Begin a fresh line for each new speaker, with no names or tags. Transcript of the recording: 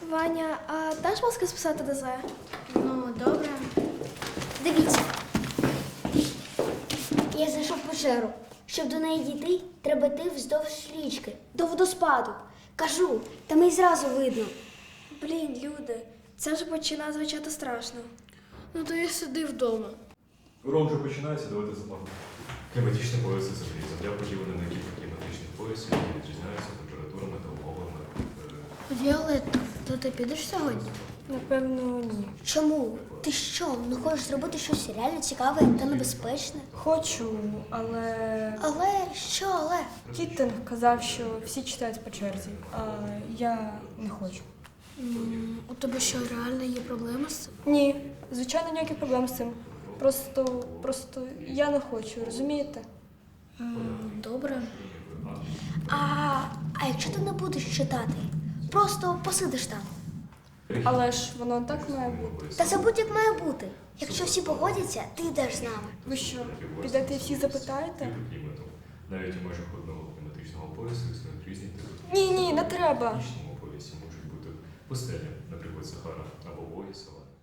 Ваня, а даш маски списати ДЗ?
Ну, добре. Дивіться. Я знайшов печеру. Щоб до неї дійти, треба йти вздовж річки, до водоспаду. Кажу, там і зразу видно.
Блін, люди, це вже починає звучати страшно.
Ну то я сиди вдома.
Урок вже починається, давайте заплатимо. Кліматичні пояси землі. Земля поділена на кілька кліматичних поясів, які відрізняються температурами та умовами.
Віолетта, то ти підеш сьогодні?
Напевно, ні.
Чому? Ти що, не хочеш зробити щось реально цікаве та небезпечне?
Хочу, але
Але що, але?
Кіттинг казав, що всі читають по черзі, а я не хочу.
У тебе що, реально є проблеми з цим?
Ні, звичайно, ніяких проблем з цим. Просто я не хочу, розумієте?
Добре.
А якщо ти не будеш читати? Просто посидиш там.
Але ж воно так має бути.
Та це будь-як має бути. Якщо всі погодяться, ти йдеш з нами.
Ви що, підете і всіх запитаєте?
Типи клімату. Навіть у межах одного кліматичного поясу існують різні типи.
Ні, не треба.
В північному поясі можуть бути пустелі, наприклад, Сахара або Воє села.